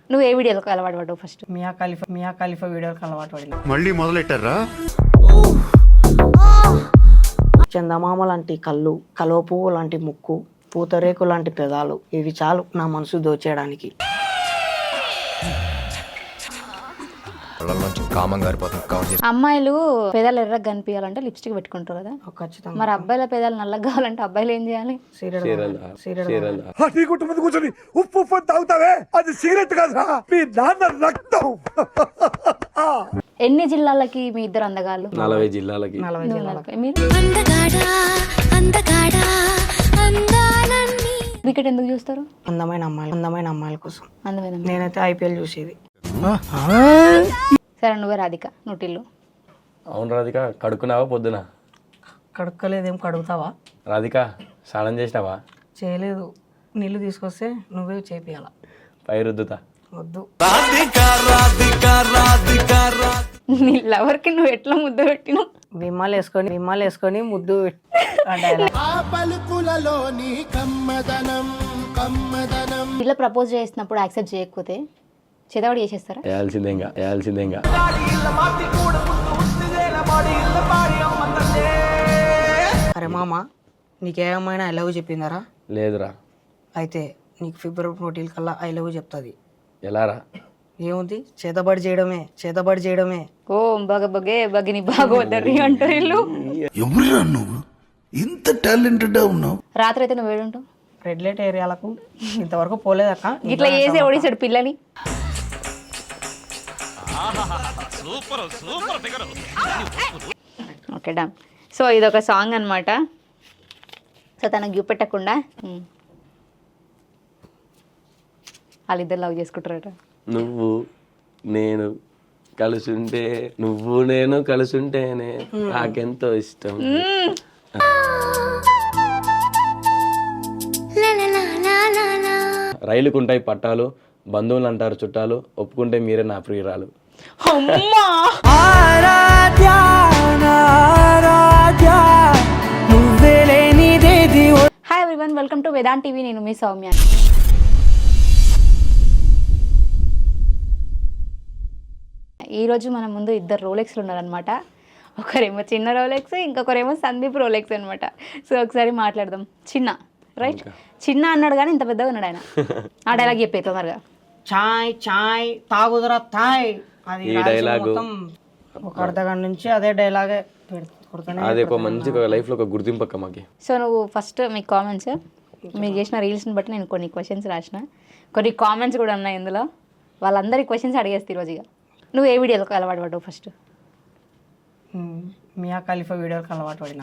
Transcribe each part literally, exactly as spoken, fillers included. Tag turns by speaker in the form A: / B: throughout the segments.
A: నువ్వు ఏ వీడియోలకు అలవాటు పడ్డావు ఫస్ట్?
B: మియా ఖలీఫా మియా ఖలీఫా వీడియోకి అలవాటు పడిన.
C: మళ్ళీ మొదలెట్టారా?
B: చందమామ లాంటి కళ్ళు, కలువ పువ్వు లాంటి ముక్కు, పూతరేకు లాంటి పెదాలు, ఇవి చాలు నా మనసు దోచేయడానికి.
A: అమ్మాయిలు పెదాలు ఎర్రగా కనిపించాలంటే లిప్స్టిక్ పెట్టుకుంటారు కదా,
B: ఖచ్చితంగా.
A: మరి అబ్బాయిల పెదాలు నల్లగా కావాలంటే అబ్బాయిలు ఏం చేయాలి?
D: కూర్చొని ఉప్పు ఉప్పు తాగుతావే, అది సిగరెట్ కాదురా, మీ నాన్న రక్తం.
A: ఎన్ని జిల్లాలకి మీ ఇద్దరు అందగాళ్ళు?
E: నలభై జిల్లాలకి.
B: నలభై జిల్లాలకి.
A: మీరు క్రికెట్ ఎందుకు చూస్తారు?
B: అందమైన అమ్మాయిలు, అందమైన అమ్మాయిల కోసం.
A: అందమైన
B: నేనైతే ఐపీఎల్ చూసేది.
A: సరే నువ్వే రాధిక నూటిల్లు.
E: అవును రాధిక, కడుక్కున్నావా పొద్దున?
B: కడుక్కోలేదేం, కడుగుతావా?
E: రాధిక స్నానం చేసినావా?
B: చేయలేదు. నీళ్ళు తీసుకొస్తే నువ్వే చేపియాల.
E: పై రుద్దుతా.
B: వద్దు.
A: నీ లవర్కి నువ్వు ఎట్లా ముద్ద పెట్టినావు?
B: విమ్మాలు వేసుకొని విమ్మాలు వేసుకొని ముద్దు
A: ఇలా ప్రపోజ్ చేసినప్పుడు యాక్సెప్ట్ చేయకపోతే చేతవాడు చేసేస్తారా?
E: వేయాల్సిందేగా వేయాల్సిందేగా
B: అరే మామ, నీకేమైనా ఐ లవ్ చెప్పిందరా?
E: లేదురా.
B: అయితే నీకు ఫిబ్రవరి ఫోర్టీన్ కల్లా ఐ లవ్ చెప్తుంది.
E: ఎలారా?
B: ఏముంది, చేతబడి చేయడమే, చేతబడి చేయడమే.
A: ఓ బగ బగే బగిని బాగోదరి అంటారు వీళ్ళు.
D: ఎవరురా నువ్వు, ఇంత టాలెంటెడ్ ఉన్నావు?
A: రాత్రి అయితే నువ్వు వేడుంటావు
B: రెడ్ లైట్ ఏరియాలకు ఇంతవరకు పోలేదక్క.
A: ఇట్లా చేసి ఓడిసాడు పిల్లని. Okay done. సో ఇది ఒక సాంగ్ అనమాట. సో తనకు చూపెట్టకుండా వాళ్ళిద్దరు లవ్ చేసుకుంటారట.
E: నువ్వు నేను కలుసుంటే, నువ్వు నేను కలుసుంటేనే నాకెంతో ఇష్టం. రైలుకు ఉంటాయి పట్టాలు, బంధువులు అంటారు చుట్టాలు, ఒప్పుకుంటే మీరే నా ప్రియురాలు.
A: Hi everyone, welcome to Vedant TV. నేను మీ సౌమ్య. ఈరోజు మన ముందు ఇద్దరు రోలెక్స్లు ఉన్నారనమాట. ఒకరేమో చిన్న రోలెక్స్, ఇంకొకరేమో సందీప్ రోలెక్స్ అనమాట. సో ఒకసారి మాట్లాడదాం. చిన్న రైట్, చిన్న అన్నాడు కానీ ఇంత పెద్దగా ఉన్నాడు ఆయన. ఆ డైలాగ్ చెప్పే తొందరగా.
B: చాయ్ చాయ్ తాగుదరా తాయ్, అది
E: ఈ డైలాగు
B: ఒక అర్ధ గంట నుంచి అదే డైలాగే కొడుతూనే.
E: అది ఒక మంచి లైఫ్ లో ఒక గుర్తింపు అక్క మాకి.
A: సో నువ్వు ఫస్ట్ మీ కామెంట్స్, మీరు చేసిన రీల్స్ని బట్టి నేను కొన్ని క్వశ్చన్స్ రాసిన, కొన్ని కామెంట్స్ కూడా ఉన్నాయి ఇందులో. వాళ్ళందరి క్వశ్చన్స్ అడిగేస్తే ఈరోజు. ఇక నువ్వు ఏ వీడియోలకు అలవాటు పడ్డావు ఫస్ట్?
B: మియా ఖలీఫా వీడియోకి అలవాటు పడినా.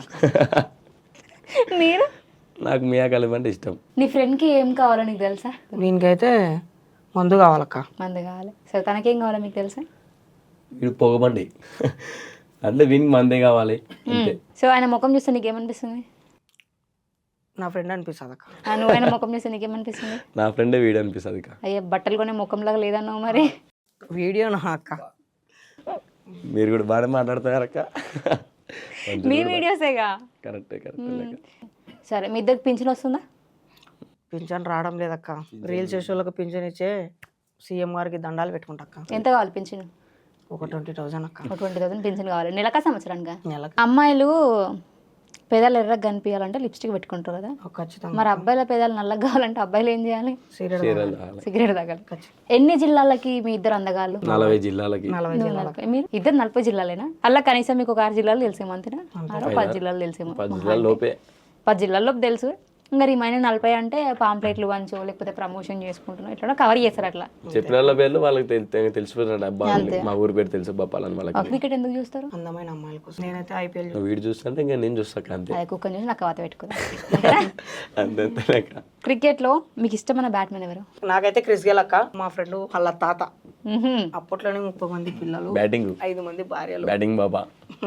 A: మీరు?
E: నాకు మియా ఖలీఫా అంటే ఇష్టం.
A: నీ ఫ్రెండ్కి ఏం కావాలో నీకు తెలుసా?
B: దీనికైతే మందు కావాలక్క.
A: మందు కావాలి. సరే తనకేం కావాలో మీకు తెలుసా?
E: వీడు పొగబండి అంటే వీనికి మందే కావాలి అంతే.
A: సో ఆయన ముఖం చూస్తే నీకేమనిపిస్తుంది?
B: నా ఫ్రెండ్ అనిపిస్తుంది అక్క.
A: నువ్వు ఆయన ముఖం చూస్తే నీకేమనిపిస్తుంది?
E: నా ఫ్రెండే వీడు అనిపిస్తుంది అక్క.
A: అయ్యా బట్టలు కొనే ముఖంలాగా లేదన్నావు మరి.
B: వీడియో నా అక్క.
E: మీరు కూడా బాగా మాట్లాడతారు అక్క.
A: మీ వీడియోసేగా.
E: కరెక్టే కరెక్ట్.
A: సరే మీ ఇద్దరికి పింఛన్ వస్తుందా?
B: పింఛన్ రావడం లేదక్క. రీల్స్ చేసే వాళ్ళకి పింఛన్ ఇచ్చే సీఎం గారికి దండాలు పెట్టుకుంటా అక్క.
A: ఎంత కావాలి పింఛన్?
B: ఒక ట్వంటీ థౌసండ్ అక్క.
A: ఒక ట్వంటీ థౌసండ్ పింఛన్ కావాలి నెలకా సంవత్సరానికి?
B: నెలకి.
A: అమ్మాయిలు పెదాలు ఎర్రగా కనిపించాలంటే లిప్స్టిక్ పెట్టుకుంటారు కదా,
B: ఖచ్చితంగా.
A: మరి అబ్బాయిల పెదాలు నల్లగా కావాలంటే అబ్బాయిలు ఏం చేయాలి? సిగరెట్ తాగాలి. ఎన్ని జిల్లాలకి మీ ఇద్దరు అందగాళ్ళు?
E: నలభై జిల్లాలకి.
A: మీరు ఇద్దరు నలభై జిల్లాలేనా? అలా కనీసం మీకు ఒక ఆరు జిల్లాలు తెలిసేమో అంతేనా? ఆరో పది జిల్లాలు తెలిసేమో.
E: పది జిల్లాల లోపే.
A: పది జిల్లాల్లో తెలుసు. ఇంకా రిమైన్ నలభై అంటే పాంప్లెట్లు వంచో లేకపోతే ప్రమోషన్ చేసుకుంటున్నాం ఇట్లా కవర్ చేస్తారు. అట్లా
E: చెప్పిన వాళ్ళ పేర్లు వాళ్ళకి తెలిసిపోతున్నాడు. అబ్బా మా ఊరు పేరు తెలుసు బప్పాలని వాళ్ళకి.
A: క్రికెట్ ఎందుకు చూస్తారు?
B: అందమైన అమ్మాయిల కోసం. నేనైతే ఐపీఎల్
E: వీడు చూస్తుంటే ఇంకా నేను చూస్తాక అంతే.
A: అదే కుక్కని చూసి నాకు వాత పెట్టుకుంటా.
E: అంతే.
A: క్రికెట్ లో మీకు ఇష్టమైన బ్యాట్మెన్ ఎవరు?
B: నాకైతే క్రిస్ గేల్ అక్క. మా ఫ్రెండ్ వాళ్ళ తాత. అప్పట్లోనే ముప్పై మంది పిల్లలు,
E: బ్యాటింగ్
B: ఐదు మంది భార్యలు.
E: బ్యాటింగ్ బాబా.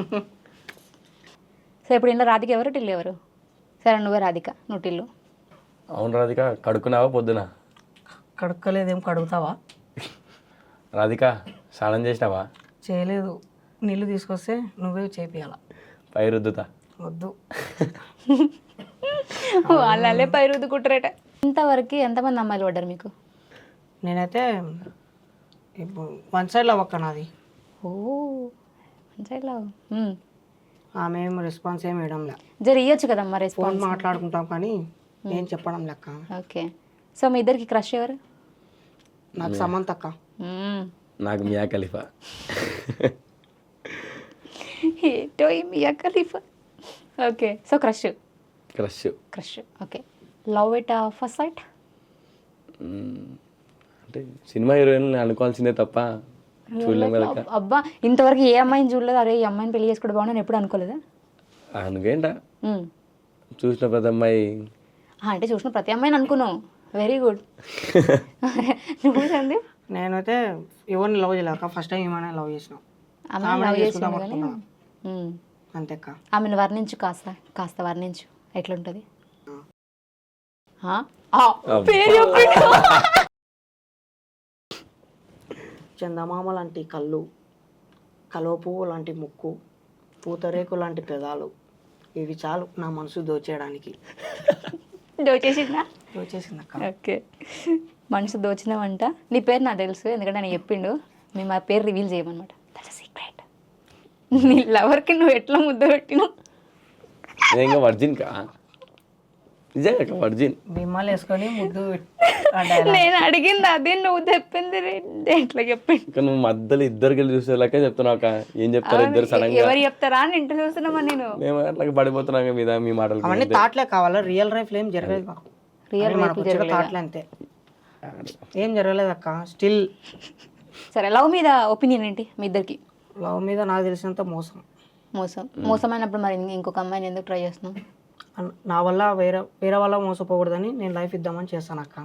A: సో ఇప్పుడు ఇంట్లో రాధిక ఎవరు, టిల్లు ఎవరు? సరే నువ్వే రాధిక నూటిల్లు.
E: అవును రాధిక, కడుక్కున్నావా పొద్దున?
B: కడుక్కోలేదేం, కడుగుతావా?
E: రాధిక స్నానం చేసినావా?
B: చేయలేదు. నీళ్ళు తీసుకొస్తే నువ్వే చేపియాల.
E: పై రుద్దుతా.
B: వద్దు.
A: వాళ్ళే పై రుద్దుకుంటారట. ఇంతవరకు ఎంతమంది అమ్మాయిలు పడ్డారు మీకు?
B: నేనైతే ఇప్పుడు వన్ సైడ్ లవ్ అక్క నాది.
A: ఓ మంచిగా
B: ఆమె ఏం రెస్పాన్స్ ఏమి ఇవ్వడంలే.
A: జర ఇవ్వచ్చు కదమ్మా
B: ఫోన్
A: రెస్పాన్స్.
B: మాట్లాడుకుంటాం కానీ ఏం చెప్పడం లెక్క.
A: ఓకే, సో మీ ఇద్దరికి క్రష్ ఎవరు?
B: నాకు సమంత అక్క.
A: మ్మ్.
E: నాకు మియా ఖలీఫా.
A: ఏంటో ఈ Mia Khalifa. Okay, so crush
E: crush.
A: Crush okay. Love at first sight
E: అంటే సినిమా హీరోయిన్ అనుకోవాల్సిందే తప్ప చూడలేం కదా.
A: అబ్బా ఇంతవరకు ఏ అమ్మాయిని చూడలేదు, అరే ఈ అమ్మాయిని పెళ్లి చేసుకోవడం బాగుందని ఎప్పుడు అనుకోలేదా?
E: అనుకేంట
A: మ్మ్.
E: చూసిన ప్రతి అమ్మాయి
A: ఆ, అంటే చూసిన ప్రతి అమ్మాయిని అనుకున్నావు. Very good. నువ్వు సందీప్?
B: నేనైతే ఎవరిని లవ్ చేయలేక ఫస్ట్ టైం ఏమైనా లవ్ చేసినాం.
A: అమ్మాయి లవ్ చేసిండు కానీ మ్మ్.
B: అంతే అక్క.
A: ఆమెను వర్ణించు కాస్త కాస్త వర్ణించు ఎట్లుంటుంది.
B: చందమామ లాంటి కళ్ళు, కలువ పువ్వు లాంటి ముక్కు, పూతరేకు లాంటి పెదాలు, ఇవి చాలు నా మనసు దోచేయడానికి.
A: దోచేసిందా?
B: దోచేసింది అక్క.
A: ఓకే, మనసు దోచినావంట. నీ పేరు నాకు తెలుసు, ఎందుకంటే నేను చెప్పిండు. మేము ఆ పేరు రివీల్ చేయమన్నమాట. That's secret. నీ లవర్కి నువ్వు ఎట్లా ముద్ద పెట్టినావు?
E: నిజంగా వర్జిన్ కా? నిజంగా వర్జిన్.
B: బిమ్మలు వేసుకొని ముద్దు
A: నేను అడిగింది అదే, నువ్వు చెప్పింది ఎట్లా చెప్పిండు.
E: ఇంకా నువ్వు మధ్యలో ఇద్దరు కలిసి చూసేలాకే చెప్తున్నావు అక్క. ఏం చెప్తారు ఇద్దరు సడన్ గా?
A: ఎవరు చెప్తారా అని ఇంటర్ చూస్తున్నామా నేను.
E: మేము అట్లా పడిపోతున్నాం మీద మీ మాటలు.
B: అవన్నీ థాట్లే కావాలా, రియల్ లైఫ్ లో ఏం జరగలేదు మాకు.
A: రియల్
B: మనకు వచ్చిన థాట్లే అంతే, ఏం జరగలేదు అక్క. స్టిల్
A: సరే, లవ్ మీద ఒపీనియన్ ఏంటి మీ ఇద్దరికి?
B: లవ్ మీద నాకు తెలిసినంత మోసం.
A: మోసం మోసమైనప్పుడు మరి ఇంకొక అమ్మాయిని ఎందుకు ట్రై చేస్తున్నావు?
B: అన్- నా వల్ల వేరే వేరే వాళ్ళ మోసపోకూడదని నేను లైఫ్ ఇద్దామని చేస్తాను అక్క.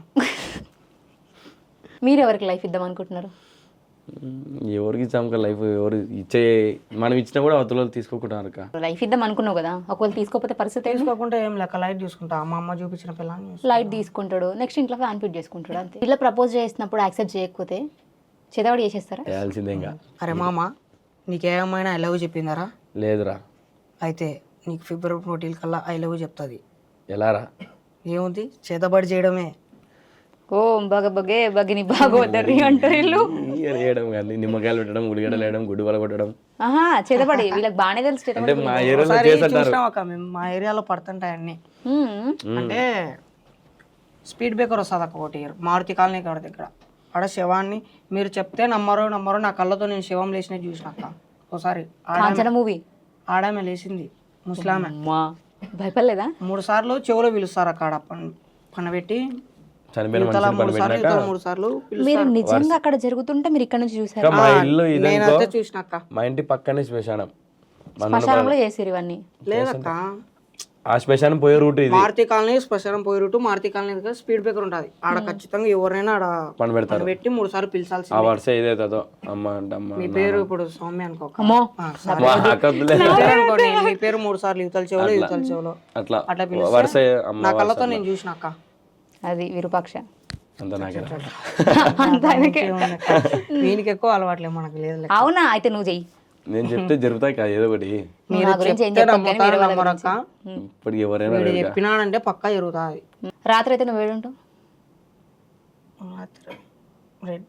A: మీరు ఎవరికి లైఫ్ ఇద్దాం అనుకుంటున్నారు?
E: ఎవరికి ఇచ్చాము లైఫ్? ఎవరు ఇచ్చే మనం ఇచ్చినా కూడా అవతల వాళ్ళు తీసుకోకుంటారు అక్క.
A: లైఫ్ ఇద్దాం అనుకున్నావు కదా, ఒకవేళ తీసుకోకపోతే పరిస్థితి ఏంటి?
B: తీసుకోకుండా ఏం లెక్క, లైట్ చూసుకుంటా. మా అమ్మ చూపించిన పిల్లని చూసుకుంటా.
A: లైట్ తీసుకుంటాడు, నెక్స్ట్ ఇంట్లో ఫ్యాన్ ఫిట్ చేసుకుంటాడు అంతే. ఇలా ప్రపోజ్ చేసినప్పుడు యాక్సెప్ట్ చేయకపోతే చేదవాడు చేసేస్తారా?
E: చేయాల్సిందే ఇంకా.
B: అరే మామ, నీకేమైనా ఐ లవ్ చెప్పిందారా?
E: లేదురా.
B: అయితే నీకు ఫిబ్రవరి ఫోర్టీన్ కల్లా ఐ లవ్ చెప్తుంది.
E: ఎలారా?
B: ఏముంది, చేతబడి చేయడమే.
A: ఓ బగ బగే బగిని బాగోదర్రి అంటారు వీళ్ళు.
E: వేయడం కానీ నిమ్మకాయలు పెట్టడం, ఉల్లిగడ్డలు వేయడం, గుడ్డు వల కొట్టడం.
A: ఆహా, చేతబడి వీళ్ళకి బాగానే తెలుసు
E: అంటే
A: చేతబడి.
E: మా ఏరియాలో
B: ఒకసారి
E: చేస్తుంటారు.
B: చూసినాం అక్క మేము, మా ఏరియాలో పడుతుంటాయి అన్ని.
A: మ్మ్.
B: అంటే స్పీడ్ బ్రేకర్ వస్తుంది అక్క ఒకటి, మారుతి కాలనీ కాడ దగ్గర. ఆడ శవాన్ని మీరు చెప్తే నమ్మరో నమ్మరో, నా కళ్ళతో నేను శవం లేచినట్టు చూసిన అక్క. ఒకసారి
A: కాంచన మూవీ
B: ఆడామె లేచింది, ముస్లామె.
A: అమ్మా భయపడలేదా?
B: మూడు సార్లు చెవులో పిలుస్తారు అక్కడ పనబెట్టి,
E: చనిపోయిన
B: యువతల
E: మనుషులు
B: మూడు సార్లు
E: పనిపెట్టినాక
B: యువతల మూడు సార్లు
A: మీరు
B: పిలుస్తారు.
A: నిజంగా అక్కడ జరుగుతుంటే మీరు ఇక్కడ నుంచి చూసారు?
E: మా ఇల్లు ఇదనుకో,
B: నేనైతే చూసిన అక్క.
E: మా ఇంటి పక్కనే శ్మశానం.
A: శ్మశానంలో చేసారు ఇవన్నీ?
B: లేదక్క,
E: ఆ శ్మశానం పోయే రూట్ ఇది.
B: మారుతి కాలనీ శ్మశానం పోయి రూటు, మారుతి కాలనీ దగ్గర స్పీడ్ బ్రేకర్ ఉంటుంది. ఆడ ఖచ్చితంగా ఎవరైనా ఆడ
E: పని పెడతారు.
B: పెట్టి మూడు సార్లు పిలిచాల్సి.
E: ఆ వరుస ఏదైతుందో అమ్మ అంటే అమ్మ
B: మీ పేరు ఇప్పుడు సౌమ్య అనుకో.
A: అమ్మో
B: ఆ, సరే.
E: మా అక్కదులే.
B: మీ పేరు అనుకోండి, మీ పేరు మూడు సార్లు యువతల చెవులో యువతల చెవులో
E: అట్లా
B: అట్లా
E: వరుస
B: పిలిస్తే
E: అమ్మ
B: నా
E: వరుస
B: కళ్ళతో
E: అట్లా.
B: నేను చూసిన అక్క.
A: అది విరూపాక్ష.
E: అంత నాకే
A: అంత ఆయనకే.
B: వీనికి ఎక్కువ అలవాట్లేదు, మనకు లేదు.
A: అవునా, అయితే నువ్వు చెయ్యి.
E: నేను చెప్తే జరుగుతాయి కదా ఏదో ఒకటి.
A: నువ్వు నా గురించి ఏం
B: చెప్తే
A: చెప్పకు కానీ
B: నమ్ముతారు
A: వేరే వాళ్ళ
B: నమ్మరక్క.
A: గురించి.
E: ఇప్పటికి ఎవరైనా
B: వీడు
E: అడగరా?
B: చెప్పినాడంటే పక్కా జరుగుతుంది.
A: రాత్రి అయితే నువ్వు వేడుంటావు?
B: రెడ్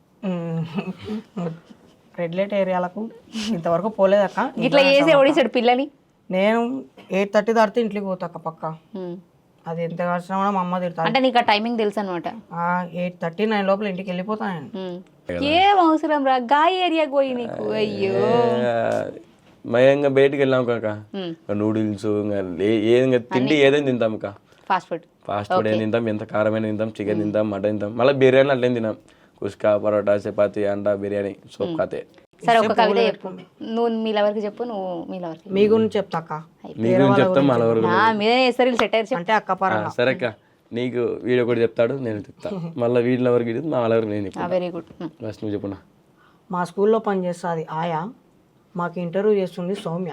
B: రెడ్ లైట్ ఏరియాలకు ఇంతవరకు పోలేదక్క.
A: ఇట్లా చేసి ఓడిసాడు పిల్లని.
B: నేను ఎయిట్ థర్టీ దాటితే ఇంట్లోకి పోతాక పక్క.
A: ఉమ్.
B: అది ఎంత కాల్సినా కూడా మా అమ్మ తిడతాను.
A: అంటే నీకు ఆ టైమింగ్ తెలుసు అనమాట.
B: ఎయిట్ థర్టీ నైన్ లోపల ఇంటికి వెళ్ళిపోతాను.
A: ఏం అవసరం రా, గాయ ఏరియాకి పోయి నీకు. అయ్యో
E: మయంగా బయటికి వెళ్ళాం కాక,
A: ఉమ్.
E: నూడిల్స్ ఏదైనా తిండి ఏదైనా తింటాం కా.
A: Fast food.
E: ఫాస్ట్ ఫుడ్ ఏం తింటాం, ఎంత కారమైన తింటాం, చికెన్ తింటాం, మటన్ తింటాం, మళ్ళీ బిర్యానీ అట్లేం తినాం. కుష్కా, పరోటా, చపాతి, అండా, బిర్యానీ, సోప్ కాతే.
A: సరే ఒక కవిత చెప్పు, నువ్వు మీ లవర్కి చెప్పు, నువ్వు మీ లవర్కి.
B: మీ గురించి చెప్తాక
E: మీ గురించి చెప్తాం, మన వరకు.
A: నా మీదే వేస్తారు వీళ్ళు సెటైర్ చెప్పు.
B: అంటే అక్క పరంగా.
E: సరే అక్క, నీకు వీడియో ఒకటి చెప్తాడు, నేను చెప్తా. మళ్ళీ వీడిలో వరకు ఇది మా వాళ్ళ వరకు నేను చెప్తాను.
A: Very good.
E: ఫస్ట్ నువ్వు చెప్పున్నా.
B: మా స్కూల్లో పనిచేస్తుంది ఆయా, మాకు ఇంటర్వ్యూ చేస్తుంది సౌమ్య.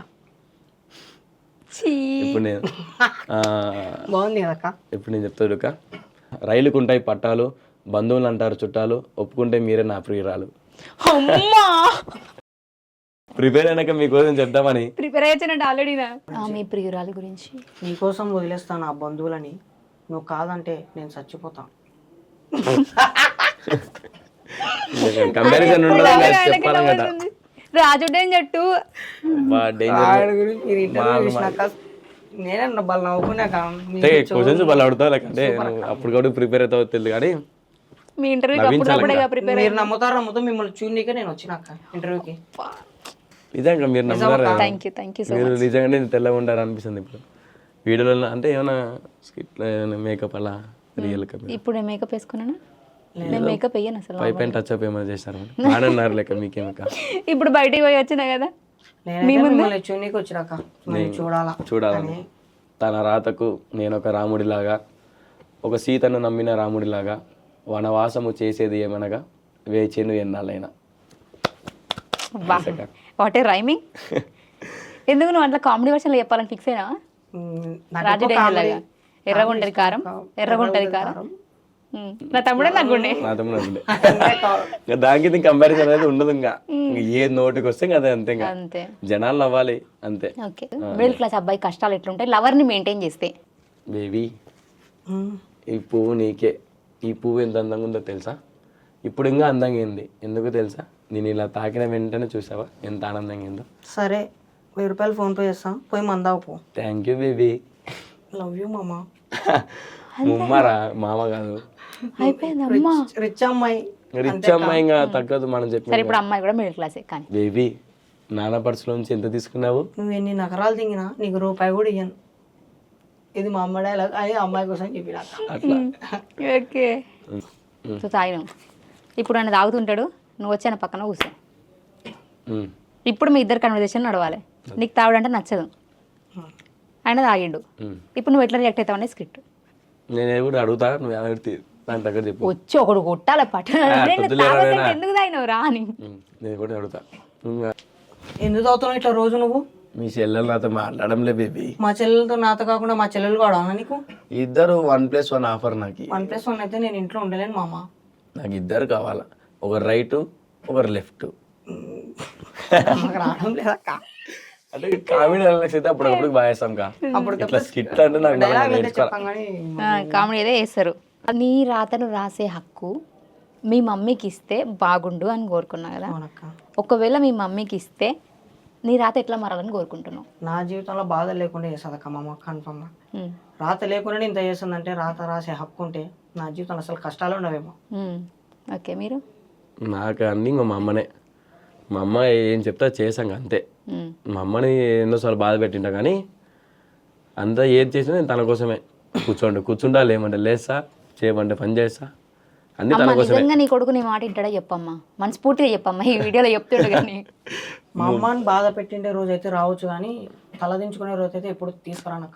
E: ఇప్పుడు నేను ఆ,
B: బాగుంది కదక్క.
E: ఇప్పుడు నేను చెప్తాడు అక్క. రైలుకు ఉంటాయి పట్టాలు, బంధువులు అంటారు చుట్టాలు, ఒప్పుకుంటే మీరే నా ప్రియురాలు.
A: అమ్మా
E: ప్రిపేర్ అయినాక మీకోసం చెప్దామని.
A: ప్రిపేర్ అయ్యానంటే ఆల్రెడీ మీ ప్రియురాలి గురించి.
B: నీకోసం వదిలేస్తాను ఆ బంధువులని, నువ్వు కాదంటే నేను చచ్చిపోతాను.
E: కంపారిజన్ చెప్పాలి కదా
A: రాజు డేంజర్
E: డేంజర్
B: వాడి గురించి మీరు ఇంటర్వ్యూ చూసినాక నేనే వాళ్ళు నవ్వుకున్నాక
E: అంటే క్వశ్చన్స్ వాళ్ళు అడుగుతావు లేకంటే అప్పుడు కూడా ప్రిపేర్ అవుతావు తెలియదు కానీ
A: మీ ఇంటర్వ్యూకి అప్పుడప్పుడే ప్రిపేర్
B: మీరు నమ్ముతారు నమ్ముతూ మిమ్మల్ని చూడనీకే నేను వచ్చినాక ఇంటర్వ్యూకి.
E: నిజంగా మీరు నమ్ముతారు
A: thank you thank you so
E: మీరు నిజంగానే తెల్లగా ఉంటారు అనిపిస్తుంది ఇప్పుడు వీడియోలో అంటే ఏమైనా స్కిట్ మేకప్ అలా రియల్
A: ఇప్పుడు నేను మేకప్ వేసుకున్నాను నేను మేకప్ వేయను అసలు
E: పై పైన టచ్ అప్ ఏమైనా చేశారు బాగానే లేక మీకేమక
A: ఇప్పుడు బయటికి పోయి వచ్చినా కదా
B: నేనైతే మిమ్మల్ని చూడనీకి వచ్చినాక మీరు చూడాలా
E: చూడాలని తన రాతకు నేను ఒక రాముడిలాగా ఒక సీతను నమ్మిన రాముడిలాగా వనవాసము చేసేది ఏమనగా వేచేను ఎన్నాళ్ళైనా.
A: What a rhyming. ఎందుకు నువ్వు అట్లా కామెడీ వర్షన్లో చెప్పాలని ఫిక్స్ అయినా రాజు డేంజర్ లాగా ఎర్రగుంటది కారం ఎర్రగుంటది కారం నా తమ్ముడే నాకుండే
E: నా తమ్ముడు ఉండే దానికి కంపారిజన్ అనేది ఉండదు. ఇంకా ఏ నోటికి వస్తే అదే అంతే. ఇంకా
A: అంతే
E: జనాలు నవ్వాలి అంతే.
A: ఓకే మిడిల్ క్లాస్ అబ్బాయి కష్టాలు ఎట్లుంటాయి లవర్ ని మెయింటైన్ చేస్తే?
E: బేబీ ఈ పువ్వు నీకే. ఈ పువ్వు ఎంత అందంగా ఉందో తెలుసా? ఇప్పుడు ఇంకా అందంగా ఏంది ఎందుకు తెలుసా? నేను ఇలా తాకిన వెంటనే చూసావా ఎంత ఆనందంగా ఏందో.
B: సరే వెయ్యి రూపాయలు ఫోన్ పే చేస్తాం పోయి మందావు పో.
E: Thank you baby.
B: Love you మామ.
E: ముమ్మరా మామ కాదు
A: అయిపోయింది అమ్మా
B: రిచ్ అమ్మాయి.
E: రిచ్ అమ్మాయి ఇంకా తగ్గదు మనం చెప్పి.
A: సరే ఇప్పుడు అమ్మాయి కూడా మిడిల్ క్లాసే కానీ
E: బేబీ నాన్న పర్సులో నుంచి ఎంత తీసుకున్నావు?
B: నువ్వు ఎన్ని నగరాలు తింగినా నీకు రూపాయి కూడా ఇయ్యను. ఇది మా అమ్మ డైలాగ్ అని అమ్మాయి కోసం చెప్పిన
E: అట్లా.
A: ఓకే సో తాగిన ఇప్పుడు ఆయన తాగుతుంటాడు నువ్వు వచ్చి ఆయన పక్కన కూర్చో. ఇప్పుడు మీ ఇద్దరు కన్వర్జేషన్ నడవాలి. నీకు తాగుడంటే నచ్చదు ఆయన తాగిండు ఇప్పుడు నువ్వు ఎట్లా రియాక్ట్ అవుతావు అనే స్క్రిప్ట్.
E: నేను కూడా అడుగుతా నువ్వు ఎవరి దాని దగ్గర చెప్పు.
A: వచ్చి ఒకడు కొట్టాలి పట్టు ఎందుకు తాగినవు రా అని
E: నేను కూడా అడుగుతా.
B: ఎందుకు తాగుతున్నావు ఇట్లా రోజు నువ్వు?
E: మీ చెల్లెలు నాతో మాట్లాడంలే బేబీ.
B: మా చెల్లెలతో నాతో కాకుండా మా చెల్లెలు కూడా నీకు
E: ఇద్దరు వన్ ప్లస్ వన్ ఆఫర్. నాకు
B: వన్ ప్లస్ వన్ అయితే నేను ఇంట్లో ఉండలేను మామ.
E: నాకు ఇద్దరు కావాలా ఒకరు రైట్ ఒకరు లెఫ్ట్.
B: రావడం లేదక్క
E: అంటే కామెడీ అయితే అప్పుడప్పుడు బాగా వేస్తాం కా అప్పుడు ఇట్లా స్కిట్ అంటే నాకు నేర్చుకోవాలి.
A: కామెడీ ఏదో వేస్తారు. నీ రాతను రాసే హక్కు మీ మమ్మీకి ఇస్తే బాగుండు అని కోరుకున్నా కదా. ఒకవేళ మీ మమ్మీకి ఇస్తే నీ రాత ఎట్లా మారాలని కోరుకుంటున్నావు?
B: నా జీవితంలో బాధ లేకుండా చేస్తుంది అక్క మా అమ్మ కన్ఫర్మ్గా. రాత లేకుండా ఇంత చేస్తుందంటే రాత రాసే హక్కు ఉంటే నా జీవితంలో అసలు కష్టాలు ఉండవేమో.
A: ఓకే మీరు?
E: నాకు అన్ని ఇంకా మా అమ్మనే. మా అమ్మ ఏం చెప్తా చేసాం అంతే. మా అమ్మని ఎన్నోసార్లు బాధ పెట్టింటా కానీ అంతా ఏది చేసినా నేను తన కోసమే. కూర్చోండి కూర్చుంటా లేమంటే లేస్తా చేయమంటే పని చేస్తా అన్ని తన కోసమే.
A: నిజంగా నీ కొడుకు నీ మాట వింటాడా చెప్పమ్మా మనస్ఫూర్తిగా చెప్పమ్మా ఈ వీడియోలో చెప్తాడు. కానీ
B: మా అమ్మని బాధ పెట్టిండే రోజు అయితే రావచ్చు కానీ తలదించుకునే రోజు అయితే ఎప్పుడు తీసుకురానక్క.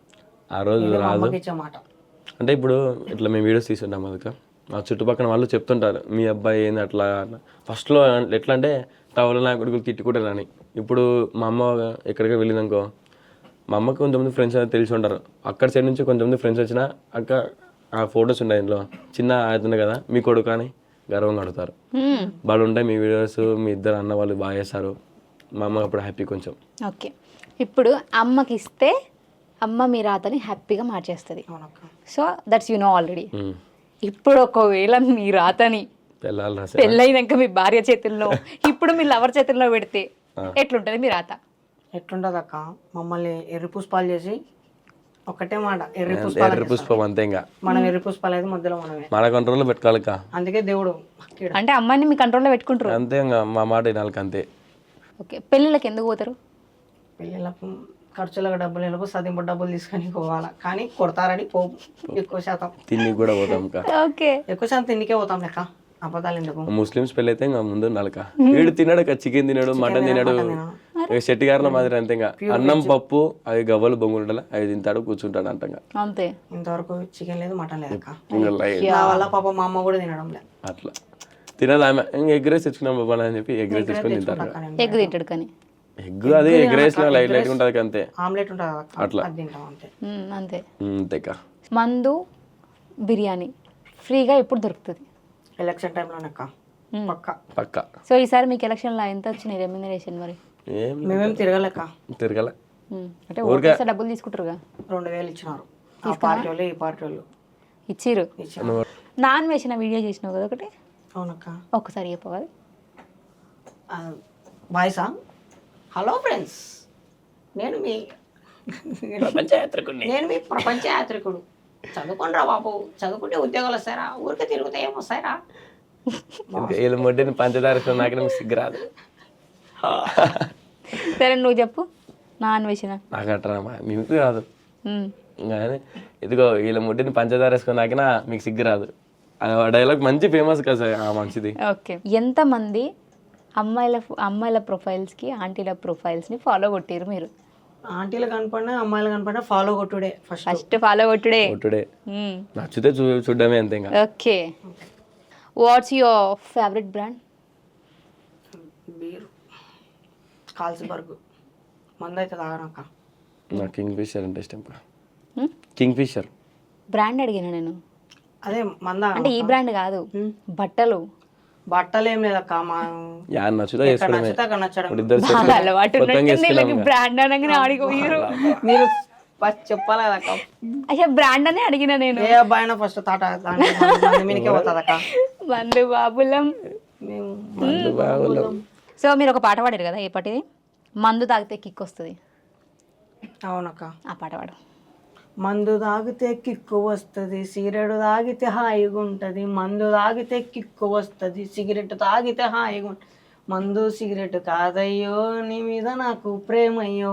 E: ఆ రోజు రాదు
B: ఇచ్చే మాట.
E: అంటే ఇప్పుడు ఇట్లా మేము వీడియోస్ తీసుకుంటాం అదక మా చుట్టుపక్కల వాళ్ళు చెప్తుంటారు మీ అబ్బాయి ఏంది అట్లా. ఫస్ట్లో ఎట్లా అంటే టవల్ నా కొడుకులు తిట్టుకుంటారని. ఇప్పుడు మా అమ్మ ఎక్కడికి వెళ్ళిందనుకో మా అమ్మకి కొంతమంది ఫ్రెండ్స్ అనేది తెలిసి ఉంటారు. అక్కడ సైడ్ నుంచి కొంతమంది ఫ్రెండ్స్ వచ్చినా అక్క ఆ ఫొటోస్ ఉన్నాయి ఇంట్లో చిన్న అవుతుంది కదా మీ కొడుకు అని గర్వంగా అడుగుతారు. వాళ్ళు ఉంటాయి మీ వీడియోస్ మీ ఇద్దరు అన్న వాళ్ళు బాగా చేస్తారు. మా అమ్మ అప్పుడు హ్యాపీ కొంచెం.
A: ఓకే ఇప్పుడు అమ్మకి ఇస్తే అమ్మ మీ రాతని హ్యాపీగా మార్చేస్తుంది. So that's you know already. ఇప్పుడు ఒకవేళ మీ రాతని పెళ్ళైనాక మీ భార్య చేతుల్లో ఇప్పుడు మీ లవర్ చేతుల్లో పెడితే ఎట్లుంటది మీ రాత?
B: ఎట్లుంటది అక్క మమ్మల్ని ఎర్రి పుష్పాలు చేసి ఒకటే మాట ఎర్రి పుష్పాలు
E: ఎర్రి పుష్పం అంతే. ఇంకా
B: మనం ఎర్రి పుష్పాలు అయితే మధ్యలో మనమే
E: మన కంట్రోల్లో పెట్టుకోవాలి.
B: అందుకే దేవుడు
A: అంటే అమ్మాయిని మీ కంట్రోల్లో పెట్టుకుంటారు
E: అంతే. ఇంకా మా మాట వినాలి అంతే.
A: ఓకే పెళ్ళిళ్ళకి ఎందుకు పోతారు?
B: పెళ్ళిళ్ళకు ఖర్చులకు డబ్బులు వెళ్ళకు సదింపు డబ్బులు తీసుకొని పోవాలా కానీ కొడతారని పో ఎక్కువ శాతం
E: తిని కూడా పోతాం.
A: ఓకే
B: ఎక్కువ శాతం తిండికే పోతాం లెక్క అబద్ధాలు ఎందుకు.
E: ముస్లిమ్స్ పెళ్ళి అయితే ఇంకా ముందు నలక వీడు తిన్నాడు చికెన్ తినాడు మటన్ తినాడు శెట్టి గారిన మాదిరి అంతే. ఇంకా అన్నం పప్పు అవి గవ్వలు బొంగులు అవి తింటాడు కూర్చుంటాడు అంట.
A: అంతే
B: ఇంతవరకు చికెన్ లేదు మటన్ లేదు నా వల్ల పాప మా అమ్మ కూడా తినడం లేదు.
E: అట్లా తినదు ఆమె. ఇంకా ఎగ్ రైస్ తెచ్చుకున్నాం బాబా అని చెప్పి ఎగ్ రైస్ తెచ్చుకొని తింటారు.
A: ఎగ్ తింటాడు కానీ
E: ఎగ్ అది ఎగ్ రైస్ లైట్ లైట్ ఉంటుంది అంతే.
B: ఆమ్లెట్ ఉంటుంది
E: అట్లా
B: తింటాం అంతే
A: అంతే
E: అంతేకా.
A: మందు బిర్యానీ ఫ్రీగా ఎప్పుడు దొరుకుతుంది?
B: ఎలక్షన్ టైంలోనక్క పక్క
E: పక్క.
A: సో ఈసారి మీకు ఎలక్షన్లో ఎంత వచ్చినాయి రెమ్యునరేషన్? మరి
B: మేమేం తిరగలేక
E: తిరగలే
A: అంటే ఓకేసారి డబ్బులు తీసుకుంటారుగా.
B: రెండు వేలు ఇచ్చినారు ఆ పార్టీ వాళ్ళు ఈ పార్టీ వాళ్ళు
A: ఇచ్చిర్రు. నాన్ వేసిన వీడియో చేసినావు కదా ఒకటి
B: అవునక్క.
A: ఒక్కసారి చెప్పగలరు?
B: వాయిసా? హలో ఫ్రెండ్స్, నేను మీ
E: ప్రపంచ యాత్రికుడిని.
B: నేను మీ ప్రపంచ యాత్రికుడు. చదువుకోండిరా బాబు, చదువుకుంటే ఉద్యోగాలు వస్తారా? ఊరికే తిరుగుతే ఏం వస్తాయిరా?
E: వీళ్ళ మొడ్డిని పంచదార నాకు నాకు సిగ్గు రాదు.
A: సరే నువ్వు చెప్పు నా అన్వేషణ.
E: నాకు అట్రా మీకు రాదు కానీ ఇదిగో వీళ్ళ ముడ్డిని పంచదార వేసుకొని నాకినా మీకు సిగ్గు రాదు. ఆ డైలాగ్ మంచి ఫేమస్ కదా సార్ ఆ మంచిది.
A: ఓకే, ఎంతమంది అమ్మాయిల అమ్మాయిల ప్రొఫైల్స్కి ఆంటీల ప్రొఫైల్స్ని ఫాలో కొట్టారు మీరు?
B: ఆంటీలు కనపడినా అమ్మాయిలు కనపడినా ఫాలో కొట్టుడే ఫస్ట్.
A: ఫస్ట్ ఫాలో కొట్టుడే.
E: టుడే నచ్చితే చూ చూడడమే అంతే ఇంకా.
A: Okay, what's your favourite brand?
B: Beer, Carlsberg. మందు అయితే తాగనక్క.
E: నాకు కింగ్ ఫిషర్ అంటే ఇష్టం. కింగ్ ఫిషర్
A: బ్రాండ్ అడిగిన నేను.
B: అదే మందా
A: అంటే ఈ బ్రాండ్ కాదు, బట్టలు.
B: బట్టలు ఏం లేదక్క. మా
E: యా నచ్చుతా చేసుకోవడమే.
B: నచ్చితే అక్కడ నచ్చడం.
E: ఇప్పుడు ఇద్దరు
A: బాగా
E: set
A: అలవాటు
E: కొత్తగా
A: ఉన్నట్టుంది
E: వేసుకున్నాం
A: వీళ్ళకి.
E: ఇంకా.
A: బ్రాండ్ అనగానే ఆడిపోయారు.
B: మీరు ఫస్ట్ చెప్పాలి కదక్క.
A: అయ్యా బ్రాండ్ అనే అడిగిన నేను.
B: ఏ అబ్బాయి అయినా ఫస్ట్ తాట మీనికే పోతుందక్క.
A: బంధు బాబులం.
B: మేము
E: మందు బావులం.
A: సో మీరు ఒక పాట పాడారు కదా, ఏ పాటిది? మందు తాగితే కిక్ వస్తుంది,
B: అవునక్క.
A: ఆ పాట పాడు.
B: మందు తాగితే కిక్కు వస్తుంది, సిగరెట్ తాగితే హాయిగా ఉంటుంది. మందు తాగితే కిక్కు వస్తుంది, సిగరెట్ తాగితే హాయిగా ఉంటుంది. మందు సిగరెట్ కాదయ్యో, నీ మీద నాకు ప్రేమయ్యో.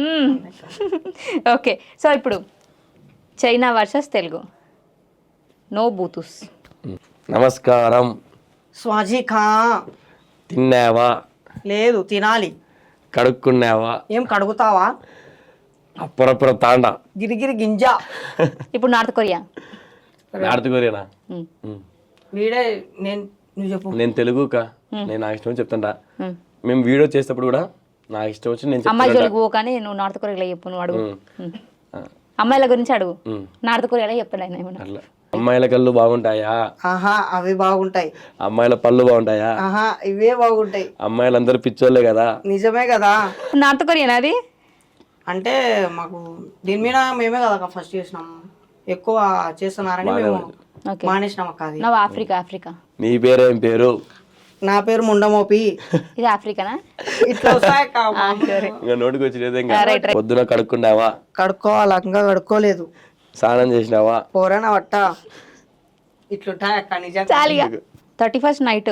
A: ఓకే, సో ఇప్పుడు చైనా వర్సెస్ తెలుగు. నో బూతుస్.
E: నమస్కారం.
B: స్వాజీ ఖా.
E: తిన్నావా?
B: లేదు, తినాలి.
E: కడుక్కున్నావా?
B: ఏం కడుగుతావా?
E: అప్పురప్పుర తాండా.
B: గిరిగిరి గింజ.
A: ఇప్పుడు నార్త్ కొరియా.
E: నార్త్ కొరియానా?
A: మ్మ్.
E: మ్మ్.
B: వీడే నేను నువ్వు చెప్పు.
E: నేను తెలుగుకా, నేను నాకు ఇష్టం వచ్చి చెప్తాంటా. మేము వీడియో చేసేటప్పుడు కూడా నాకు ఇష్టం వచ్చి నేను
A: అమ్మాయి
E: చెప్తాను.
A: జోలికి పో, కానీ నువ్వు నార్త్ కొరియాలో చెప్పు. నువ్వు అడుగు, అమ్మాయిల గురించి అడుగు. నార్త్ కొరియాలో చెప్తాడు ఆయన ఏమన్నా.
E: అట్లా అమ్మాయిల కళ్ళు బాగుంటాయా?
B: ఆహా, అవి బాగుంటాయి.
E: అమ్మాయిల పళ్ళు బాగుంటాయా?
B: ఆహా, ఇవే బాగుంటాయి.
E: అమ్మాయిలందరూ పిచ్చోళ్ళే కదా.
B: నిజమే కదా.
A: నార్త్ కొరియానా అది?
B: అంటే మాకు దీని మీద మేమే కదా ఫస్ట్ చేసినాము, ఎక్కువ చేస్తున్నారని మేము
A: ఓకే,
B: మానేసినాం అక్క. అది
A: నువ్వు ఆఫ్రికా. ఆఫ్రికా
E: నీ పేరేం పేరు?
B: నా పేరు ముండమోపి.
A: ఇది ఆఫ్రికానా?
B: ఇట్లా వస్తాయక్క.
A: సరే,
E: ఇంకా నోటికి వచ్చి ఇంకా. పొద్దున కడుక్కున్నావా?
B: కడుక్కోవాలి, ఇంకా కడుక్కోలేదు.
E: స్నానం చేసినావా?
B: పోరానా వట్ట. ఇట్లుంటాయి అక్క నిజంగా.
A: చాలిగా. థర్టీ ఫస్ట్ నైట్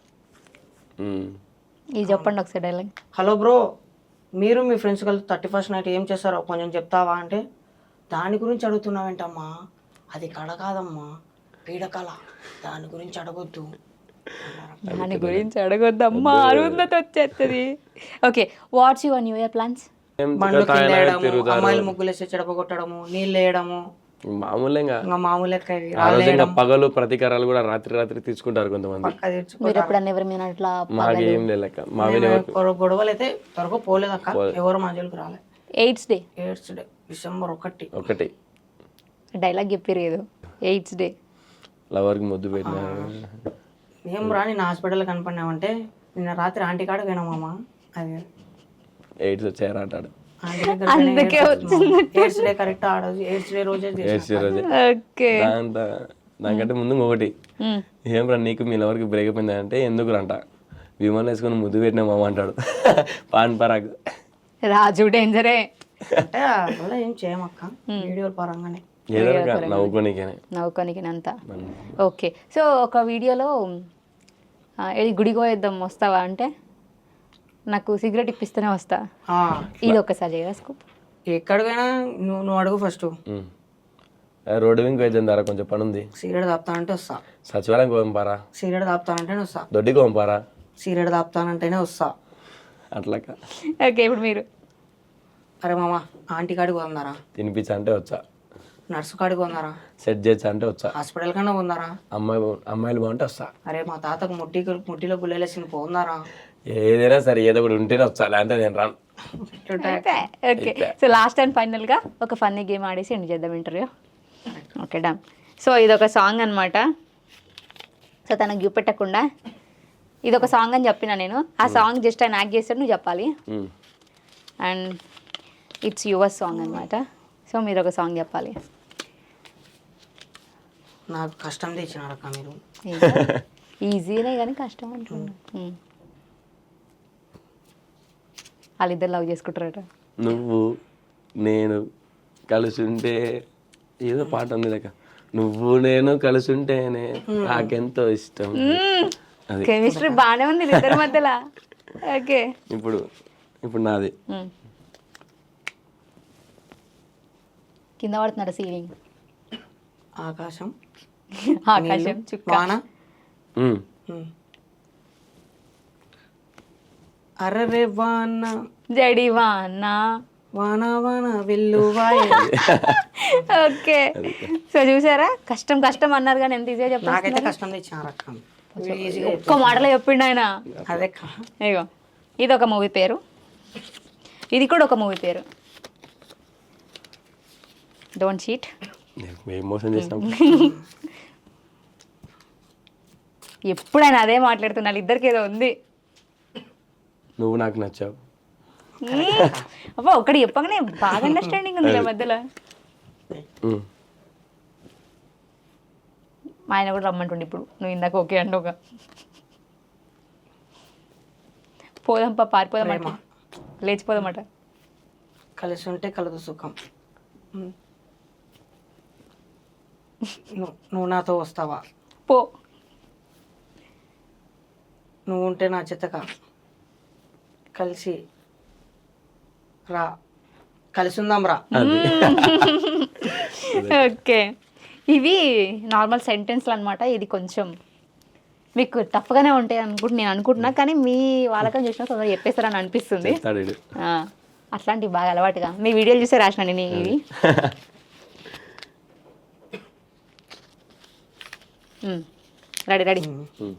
E: మ్మ్.
A: ఇది చెప్పండి ఒకసారి డైలాగ్.
B: హలో బ్రో, మీరు మీ ఫ్రెండ్స్ కలిసి థర్టీ ఫస్ట్ నైట్ ఏం చేస్తారో కొంచెం చెప్తావా అంటే, దాని గురించి అడుగుతున్నావేంటమ్మా, అది కళ కాదమ్మా, పీడకళ, దాని గురించి అడగొద్దు.
A: దాని గురించి అడగొద్దమ్మా, అరుంధతి వచ్చేస్తుంది. Okay, what's your new year plans?
E: ఏం
B: బండ్లు
E: తాయిలా
B: కింద వేయడము,
E: తిరుగుతారు.
B: అమ్మాయిలు ముగ్గులు వేసి చెడపగొట్టడము, నీళ్ళు వేయడము,
E: మామూలే ఇంకా.
B: ఇంకా మామూలు లెక్క ఇవి.
E: ఆ రోజు ఇంకా పగలు ప్రతీకారాలు కూడా రాత్రి రాత్రి తీసుకుంటారు కొంతమంది.
B: పక్క తెచ్చుకో.
A: మీరు ఎప్పుడన్నా ఎవరి మీద అట్లా
E: మాకేం లేక మావి
B: గొడవ- గొడవలు అయితే త్వరగా పోలేదు అక్క, ఎవరు మా జోలికి రాలే.
A: AIDS day
B: AIDS day December ఒకటి.
E: ఒకటి
A: డైలాగ్ చెప్పారు ఏదో, ఎయిడ్స్ డే.
E: లవర్కి ముద్దు పెట్టిన.
B: ఏం రా నేను హాస్పిటల్ కనపడినామంటే, నిన్న రాత్రి ఆంటీ కాడకి పోయినామా, అది
E: ఎయిడ్స్ వచ్చాయరా అంటాడు.
B: ఆంటీ దగ్గర
A: అందుకే
B: ఎయిడ్స్ డే కరెక్ట్ ఆ రోజు ఎయిడ్స్ డే రోజే చేసినా.
E: ఎయిడ్స్ రోజే.
A: ఓకే,
E: దాంతో దానికంటే ముందు ఒకటి ఏం రా నీకు మీ లవర్కి బ్రేక్ అయింది అంటే ఎందుకు రంట, విమానం వేసుకొని ముద్దు పెట్టినా మామ అంటాడు. పాన్ పరాగ్.
A: రాజు డేంజరే.
B: అంటే అలా ఏం చేయమక్క, వీడియోల పరంగానే.
E: ఏదో ఒక నవ్వుకోనికేనే.
A: నవ్వుకోనికి అంతా. ఓకే, సో ఒక వీడియోలో ఆ, ఏది గుడికి పోయేద్దాం వస్తావా అంటే, నాకు సిగరెట్ ఇప్పిస్తేనే వస్తా.
B: ఆ,
A: ఇది ఒక్కసారి చేయరా స్కూప్.
B: ఎక్కడికైనా నువ్వు నువ్వు అడుగు ఫస్ట్.
E: ఉమ్. రోడ్డు వెంక వేద్దాం దారా కొంచెం పని ఉంది.
B: సిగరెట్ తాపుతానంటే వస్తా.
E: సచివాలయం పంపారా?
B: సిగరెట్ తాపుతానంటేనే వస్తా.
E: దొడ్డికి పంపారా?
B: సిగరెట్ తాపుతానంటేనే వస్తా.
E: అట్లాక.
A: ఓకే, ఇప్పుడు మీరు
B: అరే మామ ఆంటీ కాడికి పోందారా,
E: తినిపించా అంటే వచ్చా.
B: నర్సు కాడికి పోందారా,
E: సెట్ చేయొచ్చా అంటే వచ్చా.
B: హాస్పిటల్ కన్నా పోందారా,
E: అమ్మాయి బా- అమ్మాయిలు బాగుంటే వస్తా.
B: అరే మా తాతకు ముట్టి ముట్టిలో గుళ్ళేసింది పోందారా.
E: ఏదైనా సరే ఏదో ఒకటి ఉంటేనే వచ్చా, లేదంటే నేను రాను.
A: ఓకే, సో లాస్ట్ అండ్ ఫైనల్గా ఒక ఫన్నీ గేమ్ ఆడేసి ఎండ్ చేద్దాం ఇంటర్వ్యూ. Okay done. సో ఇది ఒక సాంగ్ అనమాట. సో తనకు చూపెట్టకుండా ఇది ఒక సాంగ్ అని చెప్పిన నేను. ఆ సాంగ్ జస్ట్ ఆయన యాక్ట్ చేస్తాడు, నువ్వు చెప్పాలి.
E: Um.
A: And it's your song అనమాట. సో మీరు ఒక సాంగ్ చెప్పాలి.
B: నాకు కష్టం తెచ్చినారక్క మీరు.
A: ఏంటో? ఈజీనే కానీ కష్టం అంటున్నా ఉమ్. వాళ్ళిద్దరు లవ్ చేసుకుంటారట.
E: నువ్వు నేను కలిసి ఉంటే ఏదో పాట ఉంది లేక నువ్వు నేను కలిసి ఉంటేనే నాకెంతో ఇష్టం. అది
A: కెమిస్ట్రీ బాగానే ఉంది ఇద్దరి మధ్యలో. ఓకే
E: ఇప్పుడు ఇప్పుడు నాది
A: ఉమ్. కింద పడుతున్నాడు సీలింగ్,
B: ఆకాశం,
A: ఆకాశం చుక్క.
B: వాన.
E: ఉమ్.
B: ఉమ్. అరరే వాన
A: జడివానా.
B: వాన వాన వెల్లువాయ.
A: ఓకే సో చూసారా, కష్టం కష్టం అన్నారు కానీ ఎంత ఈజీగా
B: నాకైతే
A: చెప్తారు.
B: కష్టం తెచ్చిన రకం ఈజీగా
A: ఒక్క మాటలో చెప్పిండు ఆయన.
B: అదే
A: ఇగో ఇది ఒక మూవీ పేరు, ఇది కూడా ఒక మూవీ పేరు. Don't cheat.
E: మేము మోసం చేసినాం.
A: ఎప్పుడైనా అదే మాట్లాడుతున్నారు, ఇద్దరికి ఏదో ఉంది.
E: నువ్వు నాకు నచ్చావు.
A: అబ్బా ఒకటి చెప్పగానే బాగా అండర్స్టాండింగ్ ఉంది నా మధ్యలో.
E: ఉమ్.
A: మా ఆయన కూడా రమ్మంటుండే ఇప్పుడు, నువ్వు ఇందాక ఓకే అంటే ఒక పోదాంపా పారిపోదామట, లేచిపోదామట.
B: కలిసి ఉంటే కలదు సుఖం. ఉమ్. నువ్వు నువ్వు నాతో వస్తావా?
A: పో.
B: నువ్వు ఉంటే నా చేతక కలిసి రా, కలిసి ఉందాం రా.
A: ఓకే ఇవి నార్మల్ సెంటెన్స్లు అనమాట. ఇది కొంచెం మీకు టఫ్గానే ఉంటాయి అనుకుంటు నేను అనుకుంటున్నా, కానీ మీ వాళ్ళకని చూసినా తొందరగా చెప్పేస్తారని అనిపిస్తుంది.
E: చెప్తాడు వీడు.
A: ఆ, అట్లాంటివి బాగా అలవాటుగా మీ వీడియోలు చూసే రాసిన నేను ఇవి. Ready ready.
E: ఉమ్.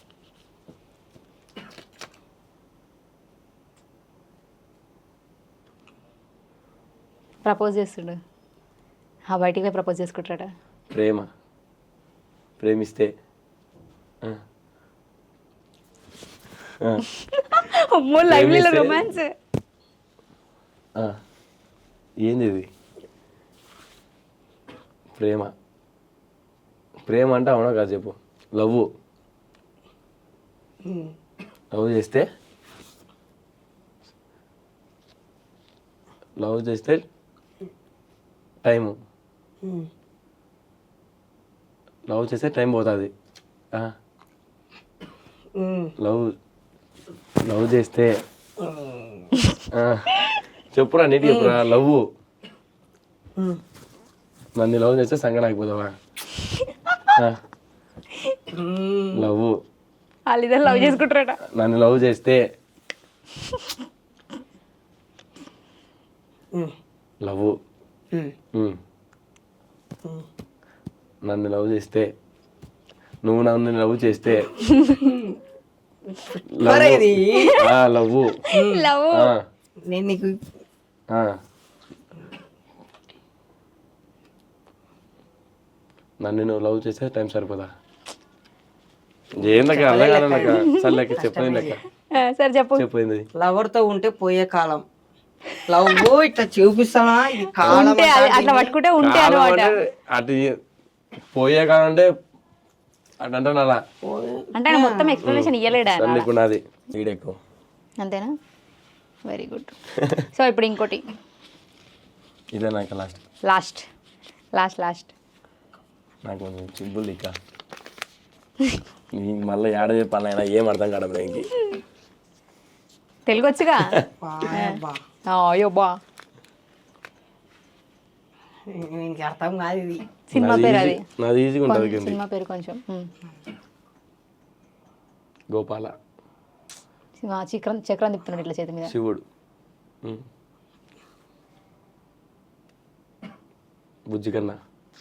A: ప్రపోజ్ చేస్తుండు, ఆ బయటికి పోయి ప్రపోజ్ చేసుకుంటాడా?
E: ప్రేమ ప్రేమిస్తే ఆ. ఆ.
A: అమ్మో లైవ్లీలో రొమాన్స్.
E: ఆ. ఏంది ఇది? ప్రేమ ప్రేమ అంటే అవునా కాదు చెప్పు. లవ్ లవ్ చేస్తే లవ్ చేస్తే టైము లవ్ చేస్తే టైం పోతుంది. లవ్ లవ్ చేస్తే చెప్పురా నీటి చెప్పురా. లవ్ నన్ను లవ్ చేస్తే సంగ ఆగిపోతావా? లవ్
A: వాళ్ళిద్దరు లవ్ చేసుకుంటారట.
E: నన్ను లవ్ చేస్తే లవ్ నన్ను లవ్ చేస్తే నువ్వు నన్ను లవ్ చేస్తే లవ్
A: లవ్
B: నేను నీకు
E: నన్ను నువ్వు లవ్ చేస్తే టైం సరిపోదా? ఏం లెక్క అలా కాదు లెక్క సరే లెక్క చెప్పండి లెక్క
A: సరే చెప్పు.
E: చెప్పింది.
B: లవర్ తో ఉంటే పోయే కాలం. లవ్ ఇట్లా చూపిస్తానా ఇది కాలం
A: ఉంటే అది అట్లా పట్టుకుంటే ఉంటే
E: కాలం
A: అనమాట.
E: అంటే అటు పోయే కాలం అంటే అటు అంటాను అలా.
A: అంటే ఆయన మొత్తం ఎక్స్ప్లెనేషన్ ఇవ్వలేడా?
E: సరే ఇప్పుడు నాది వీడు ఎక్కువ
A: అంతేనా? Very good. సో ఇప్పుడు ఇంకోటి
E: ఇదే నాకు లాస్ట్
A: లాస్ట్ లాస్ట్ లాస్ట్
E: నాకు కొంచెం సింపుల్ ఇక నీకు మళ్ళీ ఏడ చెప్పాలి అయినా ఏం అర్థం కావడం ఇంక
A: తెలుగు వచ్చుగా?
B: బా
A: అయ్యో బా
B: ఇంక అర్థం కాదు ఇది.
A: సినిమా పేరు అది.
E: నాది ఈజీగా ఉంటుంది కింద.
A: సినిమా పేరు కొంచెం ఉమ్.
E: గోపాల
A: సినిమా చక్రం చక్రం తిప్పుతున్నాడు ఇట్లా చేతి మీద.
E: శివుడు ఉమ్. బుజ్జి కన్నా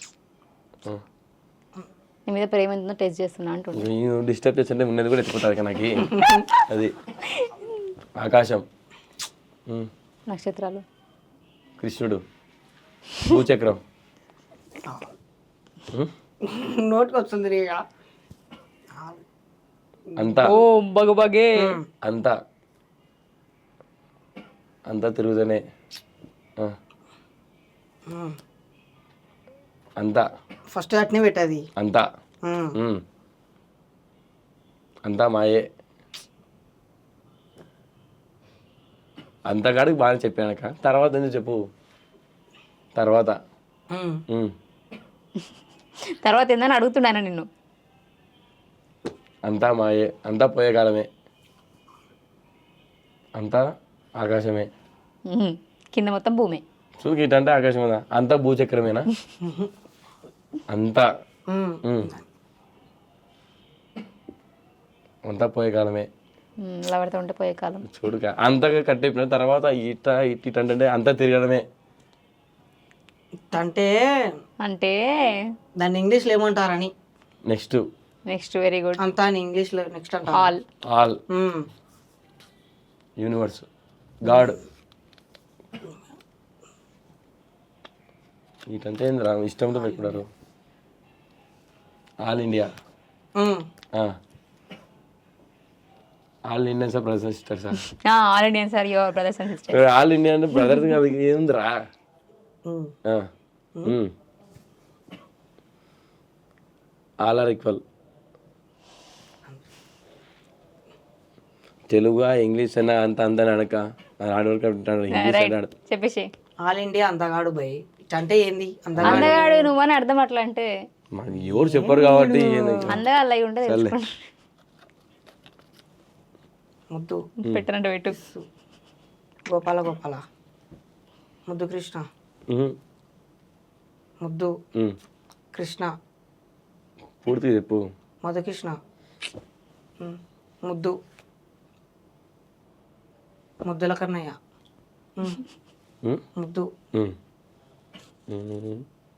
A: నీ మీద ప్రేమ ఎంతుందో టెస్ట్ చేస్తున్నా అంటుండే.
E: నేను డిస్టర్బ్ చేస్తుంటే ఉన్నది కూడా ఎత్తిపోతుంది నాకు అది. ఆకాశం ఉమ్.
A: నక్షత్రాలు
E: కృష్ణుడు భూచక్రం
B: నోటికి వస్తుంది రే ఇక.
E: అంతా
A: ఓ బగబగే
E: అంతా అంతా తిరుగుతూనే ఆ. అంతా
B: ఫస్ట్ అట్నే పెట్టది.
E: అంతా
B: ఉమ్.
E: ఉమ్. అంతా మాయే. అంతకాడికి బాగా చెప్పానక తర్వాత ఎందుకు చెప్పు తర్వాత
B: ఉమ్.
E: ఉమ్.
A: తర్వాత ఏందని అడుగుతున్నాను నిన్ను.
E: అంతా మాయే, అంతా పోయే కాలమే, అంతా ఆకాశమే.
A: ఉహుం. కింద మొత్తం భూమి.
E: చూకి ఇటంటే ఆకాశమేనా, అంతా భూచక్రమేనా? అంతా
B: ఉమ్.
E: ఉమ్. అంతా పోయే కాలమే.
A: ఉమ్, లవర్తో ఉంటే పోయే కాలం.
E: చూడుక అంతగా కట్టేపిన తర్వాత ఇట ఇట్ ఇట్ అంటే అంతా తిరగడమే.
B: అంటే
A: అంటే
B: దాన్ని ఇంగ్లీష్లో ఏమంటారని.
E: Next
A: next very good.
B: అంతా అని ఇంగ్లీష్లో నెక్స్ట్ అంటారు.
A: All.
E: All
B: um.
E: Universe god. ఇటంటే ఏందిరా ఇష్టంతో పెట్టుకున్నారు. All India,
B: um.
E: All Indians brothers and sisters.
A: All Indian sir your brothers and sisters.
E: All India అంటే బ్రదర్స్ కాదు ఏందిరా.
B: Um.
E: All are equal. Telugu English అయినా అంత అంత అనక ఆడవరకు ఇంగ్లీష్
A: రైట్
E: అన్నాడు.
A: చెప్పేసి.
B: ఆల్ ఇండియా అందగాడు భయ్. ఇట్ అంటే ఏంది అందగాడు?
A: అందగాడు నువ్వని అర్థం అట్లా అంటే.
E: మనకి ఎవరు చెప్పరు కాబట్టి ఏంది.
A: అందగాళ్ళు అయి ఉంటే
E: సర్లే.
A: తెలుసుకోండి.
B: ముద్దు
A: పెట్టనంటే పెట్టు.
B: గోపాల గోపాల, ముద్దు కృష్ణ,
E: ఉహు.
B: ముద్దు
E: ఉమ్.
B: కృష్ణ,
E: పూర్తిగా చెప్పు.
B: మధుకృష్ణ, ఉమ్. ముద్దు ముద్దుల కన్నయ్య, ఉమ్.
E: ఉమ్.
B: ముద్దు
E: ఉమ్. ఉమ్.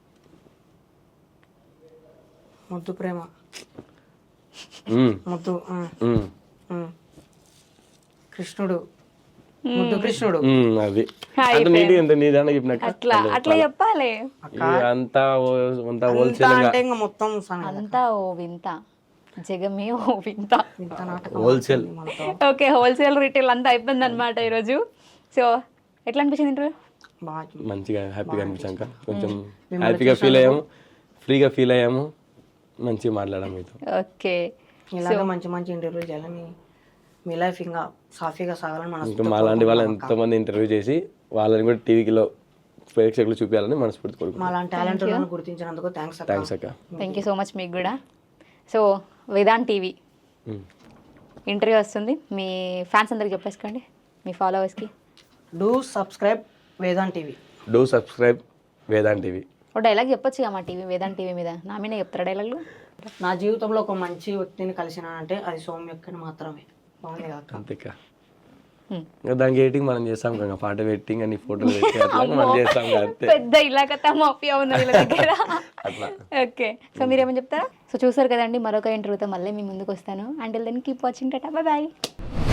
B: ముద్దు ప్రేమ,
E: ఉమ్.
B: ముద్దు ఉమ్.
E: ఉమ్.
B: ఉమ్. కృష్ణుడు, ముద్దు కృష్ణుడు.
E: ఉమ్, అది
A: హాయ్
E: అంటే నీటి ఎంత నీదాన్ని చెప్పినాక
A: అట్లా అట్లా చెప్పాలి.
E: అంతా ఓ- అంతా
B: అంతా
E: హోల్సేల్
B: అంటే ఇంకా మొత్తం సన-
A: అంతా ఓ వింత, జగమే ఓ వింత.
B: ఇంత నాటకం
E: హోల్సేల్.
B: మనతో
A: ఓకే, హోల్సేల్ రీటైల్ అంతా అయిపోయింది అనమాట ఈరోజు. సో ఎట్లా అనిపించింది ఇంటర్వ్యూ?
B: బాగా
E: మంచిగా హ్యాపీగా అనిపించాక కొంచెం హ్యాపీగా ఫీల్ అయ్యాము, ఫ్రీగా ఫీల్ అయ్యాము, మంచిగా మాట్లాడాము మీతో.
A: ఓకే,
B: ఇలాగే మంచి మంచి ఇంటర్వ్యూ చేయాలని, మీ లైఫ్ ఇంకా సాఫీగా సాగాలని
E: ఇంకా
B: మనసు
E: మాలాంటి వాళ్ళు ఎంతోమంది ఇంటర్వ్యూ చేసి వాళ్ళని కూడా టీవీలో ప్రేక్షకులు చూపించాలని మనస్ఫూర్తి కోరుకుంటున్నాం.
B: మా లాంటి టాలెంట్ గుర్తించినందుకు థ్యాంక్స్ అక్క.
E: థ్యాంక్స్ అక్క.
A: థ్యాంక్ యూ సో మచ్ మీకు కూడా. So Vedant TV
E: um.
A: Interview వస్తుంది, మీ ఫ్యాన్స్ అందరికి చెప్పేసుకోండి, మీ ఫాలోవర్స్కి.
B: Do subscribe Vedant TV.
E: Do subscribe Vedant TV.
A: ఒక డైలాగ్ చెప్పొచ్చు మా టీవీ వేదాంత్ టీవీ మీద. నా మీద చెప్తారా డైలాగ్లు?
B: నా జీవితంలో ఒక మంచి వ్యక్తిని కలిసినానంటే అది సౌమ్యక్కని మాత్రమే. బాగుంది కాక.
E: అంతేకా.
A: Hmm.
E: ఇంకా దానికి ఎడిటింగ్ మనం చేస్తాం కదా, పాట పెట్టింగ్ అని ఫోటోలు పెట్టి అట్లా మనం చేస్తాం కదా అంతే.
A: పెద్ద ఇలాగ మాఫియా ఉంది వీళ్ళ దగ్గర.
E: అట్లా.
A: ఓకే, సో మీరేమని చెప్తారా? సో చూసారు కదండి, మరొక ఇంటర్వ్యూతో మళ్ళీ మీ ముందుకు వస్తాను. Until then keep watching. Tata, bye bye.